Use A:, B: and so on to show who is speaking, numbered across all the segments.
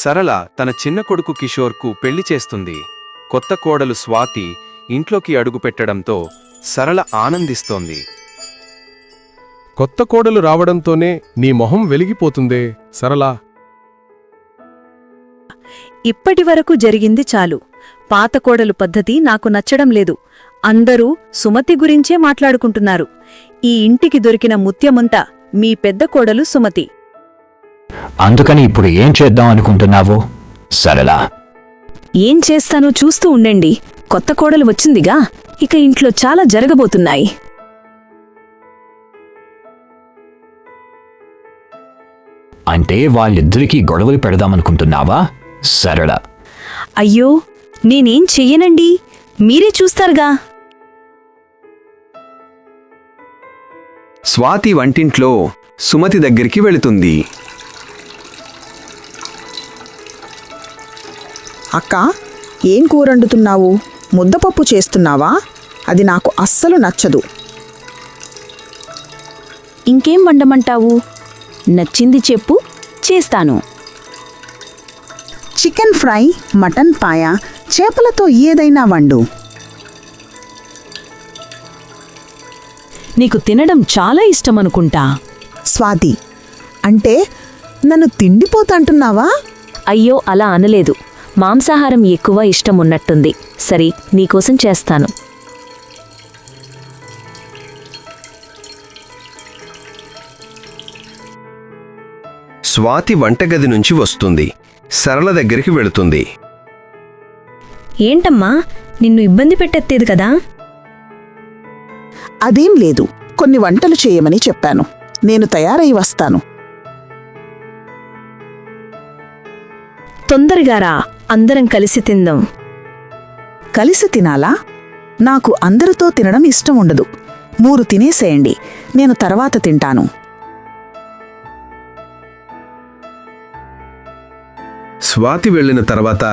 A: సరళ తన చిన్న కొడుకు కిషోర్కు పెళ్లి చేస్తుంది. కొత్త కోడలు స్వాతి ఇంట్లోకి అడుగుపెట్టడంతో సరళ ఆనందిస్తోంది.
B: కొత్త కోడలు రావడంతోనే నీ మొహం వెలిగిపోతుందే సరళా.
C: ఇప్పటివరకు జరిగింది చాలు. పాత కోడలు పద్ధతి నాకు నచ్చడం లేదు. అందరూ సుమతి గురించే మాట్లాడుకుంటున్నారు. ఈ ఇంటికి దొరికిన ముత్యమంతా మీ పెద్ద కోడలు సుమతి.
D: అందుకని ఇప్పుడు ఏం చేద్దాం అనుకుంటున్నావు సరళా?
C: ఏం చేస్తానో చూస్తూ ఉండండి. కొత్త కోడలు వచ్చిందిగా, ఇక ఇంట్లో చాలా జరగబోతున్నాయి.
D: అంటే వాళ్ళిద్దరికీ గొడవలు పెడదామనుకుంటున్నావా సరళ?
C: అయ్యో, నేనేం చెయ్యనండి, మీరే చూస్తారుగా.
A: స్వాతి వంటింట్లో సుమతి దగ్గరికి వెళుతుంది.
E: అక్క, ఏం కూరండుతున్నావు? ముద్దపప్పు చేస్తున్నావా? అది నాకు అస్సలు నచ్చదు.
C: ఇంకేం వండమంటావు? నచ్చింది చెప్పు, చేస్తాను.
E: చికెన్ ఫ్రై, మటన్ పాయ, చేపలతో ఏదైనా వండు.
C: నీకు తినడం చాలా ఇష్టమనుకుంటా.
E: స్వాతి, అంటే నన్ను తిండిపోతంటున్నావా?
C: అయ్యో, అలా అనలేదు. మాంసాహారం ఎక్కువ ఇష్టమున్నట్టుంది. సరే, నీకోసం చేస్తాను.
A: స్వాతి వంటగది నుంచి వస్తుంది. సరళ దగ్గరికి వెళుతుంది.
C: ఏంటమ్మా, నిన్ను ఇబ్బంది పెట్టేది కదా?
E: అదేం లేదు, కొన్ని వంటలు చేయమని చెప్పాను. నేను తయారై వస్తాను.
C: తొందరగా రా, అందరం కలిసి తిందాం.
E: కలిసి తినాలా? నాకు అందరితో తినడం ఇష్టం ఉండదు. 3 తినేసేయండి, నేను తర్వాత తింటాను.
A: స్వాతి వెళ్ళిన తర్వాత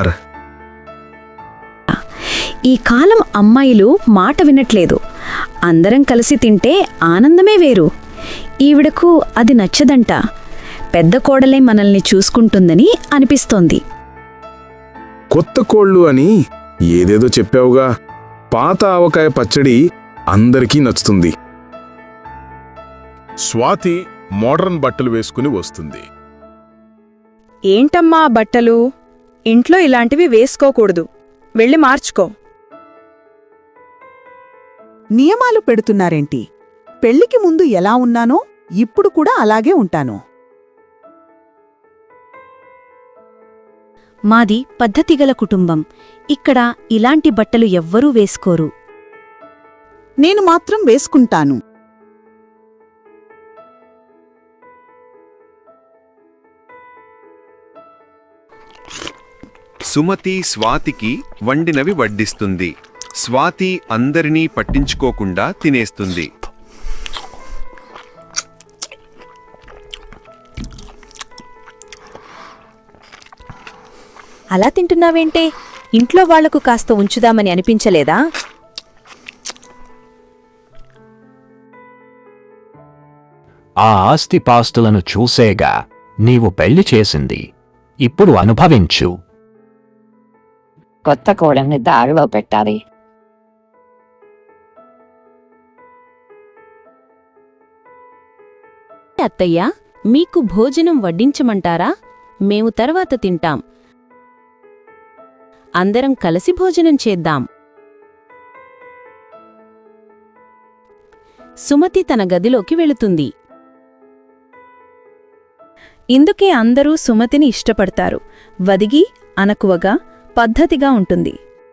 C: ఈ కాలం అమ్మాయిలు మాట వినట్లేదు. అందరం కలిసి తింటే ఆనందమే వేరు. ఈవిడకు అది నచ్చదంట. పెద్ద కోడలే మనల్ని చూసుకుంటుందని అనిపిస్తోంది.
F: కొత్త కోళ్ళు అని ఏదేదో చెప్పావుగా. పాత ఆవకాయ పచ్చడి అందరికీ నచ్చుతుంది.
B: స్వాతి మోడర్న్ బట్టలు వేసుకుని వస్తుంది.
G: ఏంటమ్మా బట్టలు? ఇంట్లో ఇలాంటివి వేసుకోకూడదు. వెళ్ళి మార్చుకో.
E: నియమాలు పెడుతున్నారేంటి? పెళ్లికి ముందు ఎలా ఉన్నానో ఇప్పుడు కూడా అలాగే ఉంటాను.
C: మాది పద్ధతిగల కుటుంబం. ఇక్కడ ఇలాంటి బట్టలు ఎవ్వరూ వేసుకోరు.
E: నేను మాత్రం వేసుకుంటాను.
A: సుమతి స్వాతికి వండినవి వడ్డిస్తుంది. స్వాతి అందరినీ పట్టించుకోకుండా తినేస్తుంది.
G: అలా తింటున్నావేంటే? ఇంట్లో వాళ్లకు కాస్త ఉంచుదామని అనిపించలేదా?
D: ఆ ఆస్తిపాస్తులను చూసేగా నీవు పెళ్లి చేసింది. ఇప్పుడు అనుభవించు.
H: కొత్త కోడల్ని దారిలో పెట్టాలి.
C: అత్తయ్య, మీకు భోజనం వడ్డించమంటారా? మేము తర్వాత తింటాం. అందరం కలిసి భోజనం చేద్దాం. సుమతి తన గదిలోకి వెళుతుంది.
G: ఇందుకే అందరూ సుమతిని ఇష్టపడతారు. వదిగి, అనకువగా, పద్ధతిగా ఉంటుంది.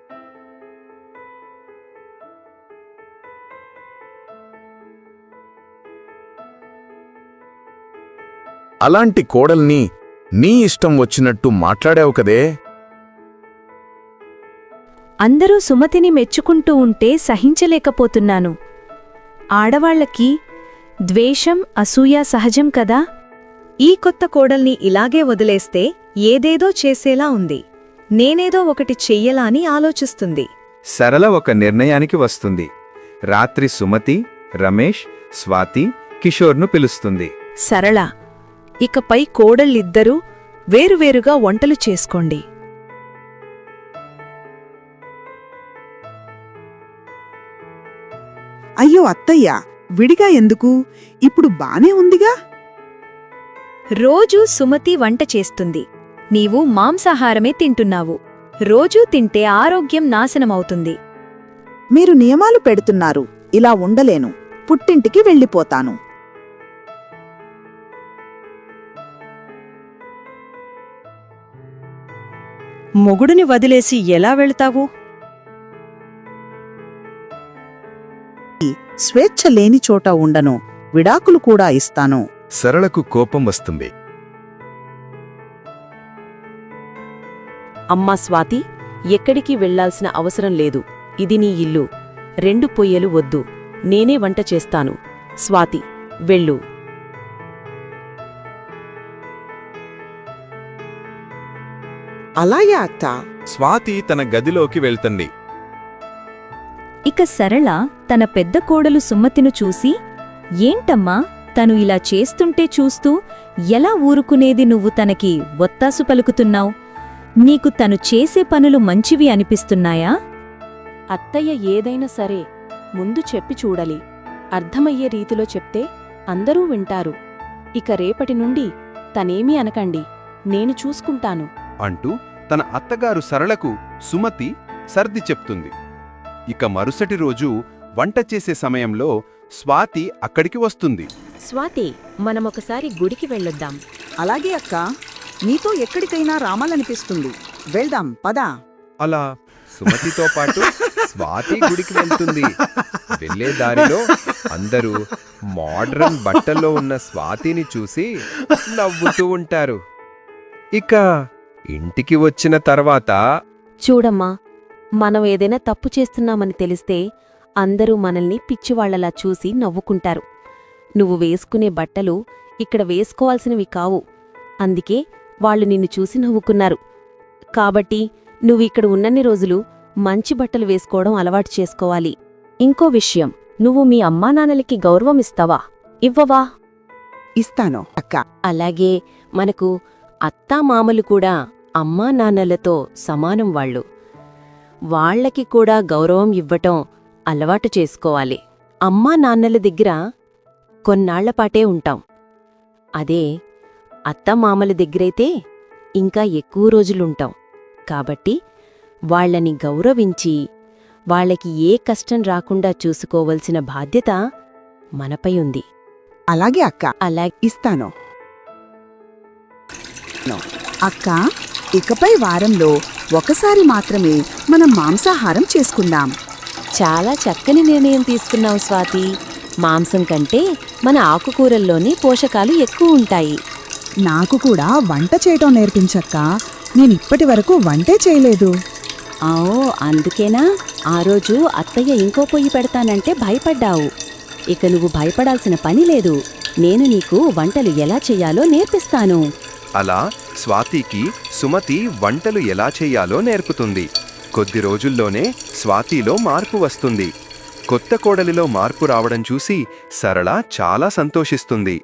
F: అలాంటి కోడల్ని నీ ఇష్టం వచ్చినట్టు మాట్లాడావు కదే.
G: అందరూ సుమతిని మెచ్చుకుంటూ ఉంటే సహించలేకపోతున్నాను. ఆడవాళ్లకి ద్వేషం, అసూయ సహజం కదా. ఈ కొత్త కోడల్ని ఇలాగే వదిలేస్తే ఏదేదో చేసేలా ఉంది. నేనేదో ఒకటి చెయ్యలా అని ఆలోచిస్తుంది.
A: సరళ ఒక నిర్ణయానికి వస్తుంది. రాత్రి సుమతి, రమేష్, స్వాతి, కిషోర్ను పిలుస్తుంది.
G: సరళ, ఇకపై కోడళ్ళిద్దరూ వేరువేరుగా వంటలు చేసుకోండి.
E: అయ్యో అత్తయ్య, విడిగా ఎందుకు? ఇప్పుడు బానే ఉందిగా.
C: రోజూ సుమతి వంట చేస్తుంది. నీవు మాంసాహారమే తింటున్నావు. రోజూ తింటే ఆరోగ్యం నాశనమవుతుంది.
E: మీరు నియమాలు పెడుతున్నారు. ఇలా ఉండలేను. పుట్టింటికి వెళ్ళిపోతాను.
G: మొగుడుని వదిలేసి ఎలా వెళ్తావు?
E: స్వేచ్ఛ లేని చోట ఉండను. విడాకులు కూడా ఇస్తాను.
F: సరళకు కోపం వస్తుంది.
I: అమ్మా స్వాతి, ఎక్కడికి వెళ్లాల్సిన అవసరం లేదు. ఇది నీ ఇల్లు. 2 పొయ్యలు వద్దు. నేనే వంట చేస్తాను. స్వాతి, వెళ్ళు.
E: అలాగే అత్త.
B: స్వాతి తన గదిలోకి వెళ్తుంది.
C: ఇక సరళ తన పెద్ద కోడలు సుమతిను చూసి, ఏంటమ్మా తను ఇలా చేస్తుంటే చూస్తూ ఎలా ఊరుకునేది? నువ్వు తనకి ఒత్తాసు పలుకుతున్నావు. నీకు తను చేసే పనులు మంచివి అనిపిస్తున్నాయా?
I: అత్తయ్య ఏదైనా సరే ముందు చెప్పి చూడాలి. అర్థమయ్యే రీతిలో చెప్తే అందరూ వింటారు. ఇక రేపటి నుండి తనేమీ అనకండి, నేను చూసుకుంటాను
A: అంటూ తన అత్తగారు సరళకు సుమతి సర్ది చెప్తుంది. ఇక మరుసటి రోజు వంట చేసే సమయంలో స్వాతి అక్కడికి వస్తుంది.
I: స్వాతి, మనమొకసారి గుడికి వెళ్ళొద్దాం.
E: అలాగే అక్క. నీతో ఎక్కడికైనా రామాలనిపిస్తుంది. వెళ్దాం పదా.
A: అలా సుమతితో పాటు స్వాతి గుడికి వెళ్తుంది. వెళ్ళే దారిలో అందరూ మోడ్రన్ బట్టల్లో ఉన్న స్వాతిని చూసి నవ్వుతూ ఉంటారు. ఇక ఇంటికి వచ్చిన తర్వాత
I: చూడమ్మా, మనం ఏదైనా తప్పు చేస్తున్నామని తెలిస్తే అందరూ మనల్ని పిచ్చివాళ్లలా చూసి నవ్వుకుంటారు. నువ్వు వేసుకునే బట్టలు ఇక్కడ వేసుకోవాల్సినవి కావు. అందుకే వాళ్ళు నిన్ను చూసి నవ్వుకున్నారు. కాబట్టి నువ్వు ఇక్కడ ఉన్నన్ని రోజులు మంచి బట్టలు వేసుకోవడం అలవాటు చేసుకోవాలి. ఇంకో విషయం, నువ్వు మీ అమ్మానాన్నలకి గౌరవం ఇస్తావా? ఇవ్వవా?
E: ఇస్తాను అక్క.
I: అలాగే మనకు అత్తామామలు కూడా అమ్మా నాన్నలతో సమానం వాళ్ళు. వాళ్లకి కూడా గౌరవం ఇవ్వటం అలవాటు చేసుకోవాలి. అమ్మా నాన్నల దగ్గర కొన్నాళ్లపాటే ఉంటాం. అదే అత్తమామల దగ్గరైతే ఇంకా ఎక్కువ రోజులుంటాం. కాబట్టి వాళ్లని గౌరవించి వాళ్లకి ఏ కష్టం రాకుండా చూసుకోవలసిన బాధ్యత మనపై ఉంది.
E: అలాగే అక్క.
I: అలా
E: ఇస్తాను అక్క. ఇకపై వారంలో ఒకసారి మాత్రమే మనం మాంసాహారం చేసుకుందాం.
I: చాలా చక్కని నిర్ణయం తీసుకున్నావు స్వాతి. మాంసం కంటే మన ఆకుకూరల్లోనే పోషకాలు ఎక్కువ ఉంటాయి.
E: నాకు కూడా వంట చేయటం నేర్పించక్క. నేనిప్పటి వరకు వంటే చేయలేదు.
I: అందుకేనా ఆ రోజు అత్తయ్య ఇంకో పొయ్యి పెడతానంటే భయపడ్డావు. ఇక నువ్వు భయపడాల్సిన పని లేదు. నేను నీకు వంటలు ఎలా చెయ్యాలో నేర్పిస్తాను.
A: అలా స్వాతికి సుమతి వంటలు ఎలా చెయ్యాలో నేర్పుతుంది. కొద్ది రోజుల్లోనే స్వాతిలో మార్పు వస్తుంది. కొత్త కోడలిలో మార్పు రావడం చూసి సరళ చాలా సంతోషిస్తుంది.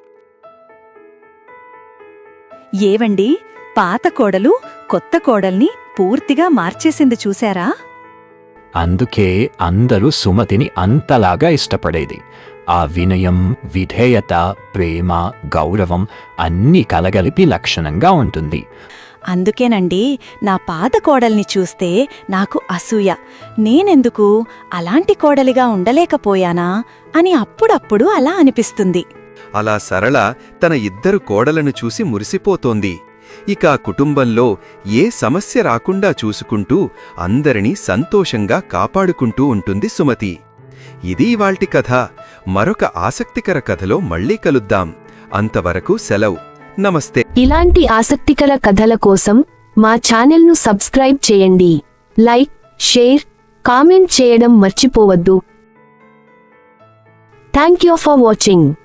C: ఏవండి, పాత కోడలు కొత్త కోడల్ని పూర్తిగా మార్చేసింది చూశారా?
D: అందుకే అందరూ సుమతిని అంతలాగా ఇష్టపడేది. ఆ వినయం, విధేయత, ప్రేమ, గౌరవం అన్నీ కలగలిపి లక్షణంగా ఉంటుంది.
C: అందుకేనండి నా పాత కోడల్ని చూస్తే నాకు అసూయ. నేనెందుకు అలాంటి కోడలిగా ఉండలేకపోయానా అని అప్పుడప్పుడు అలా అనిపిస్తుంది.
A: అలా సరళ తన ఇద్దరు కోడలను చూసి మురిసిపోతోంది. ఇక ఆ కుటుంబంలో ఏ సమస్య రాకుండా చూసుకుంటూ అందరినీ సంతోషంగా కాపాడుకుంటూ ఉంటుంది సుమతి. ఇది ఇవాల్టి కథ. మరొక ఆసక్తికర కథలో మళ్ళీ కలుద్దాం. అంతవరకు సెలవు. నమస్తే.
J: ఇలాంటి ఆసక్తికర కథల కోసం మా ఛానల్ను సబ్స్క్రైబ్ చేయండి. లైక్, షేర్, కామెంట్ చేయడం మర్చిపోవద్దు. Thank you for watching.